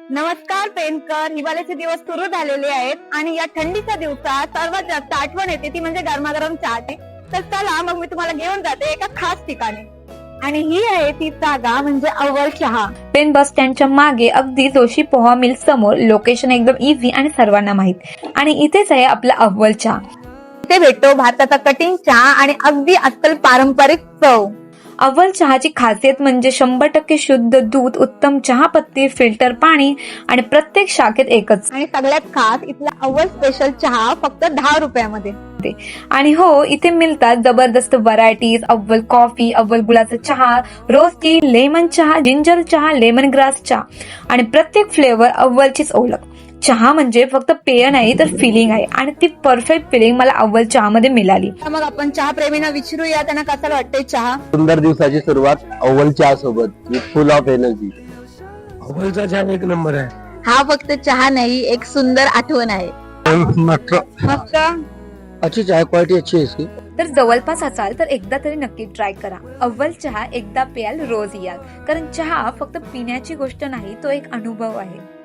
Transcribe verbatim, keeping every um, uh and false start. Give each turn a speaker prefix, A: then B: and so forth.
A: नमस्कार पेनकर. हिवाळ्याचे दिवस सुरू झालेले आहेत आणि या थंडीच्या दिवसात सर्वात जास्त आठवण येते ती म्हणजे गरमागरम चहाची. तर चला मग मी तुम्हाला घेऊन जाते एका खास ठिकाणी आणि ही आहे ती जागा म्हणजे अव्वल चहा.
B: पेन बस स्टँडच्या मागे अगदी जोशी पोहा मिल समोर. लोकेशन एकदम इझी आणि सर्वांना माहित. आणि इथेच आहे आपला अव्वल चहा.
A: इथे भेटतो भारताचा कठीण चहा आणि अगदी अस्सल पारंपरिक चव.
B: अव्वल चहाची खासियत म्हणजे शंभर टक्के शुद्ध दूध, उत्तम चहापत्ती, फिल्टर पाणी आणि प्रत्येक शाखेत एकच.
A: आणि सगळ्यात खास इथला अव्वल स्पेशल चहा फक्त दहा रुपयामध्ये.
B: आणि हो, इथे मिळतात जबरदस्त व्हरायटीज. अव्वल कॉफी, अव्वल गुळाचा चहा, रोज टी, लेमन चहा, जिंजर चहा, लेमन ग्रास चहा आणि प्रत्येक फ्लेवर अव्वलचीच ओळख. चहा म्हणजे फक्त पेय नाही तर फिलिंग आहे आणि ती परफेक्ट फिलिंग मला अव्वल चहा मध्ये मिळाली.
A: मग आपण चहा प्रेमींना विचारूया त्यांना कसं वाटतंय चहा.
C: सुंदर दिवसाची सुरुवात अव्वल चहा सोबत विथ फुल ऑफ एनर्जी.
D: अव्वलचा चहा एक नंबर आहे.
A: हा फक्त चहा नाही, एक सुंदर आठवण आहे.
D: मस्त
C: अच्छी चाय क्वालिटी अच्छी है इसकी.
B: तर जवळपास असाल तर एकदा तरी नक्की ट्राय करा. अव्वल चहा एकदा प्याल रोज याल, कारण चहा फक्त पिण्याची गोष्ट नाही, तो एक अनुभव आहे.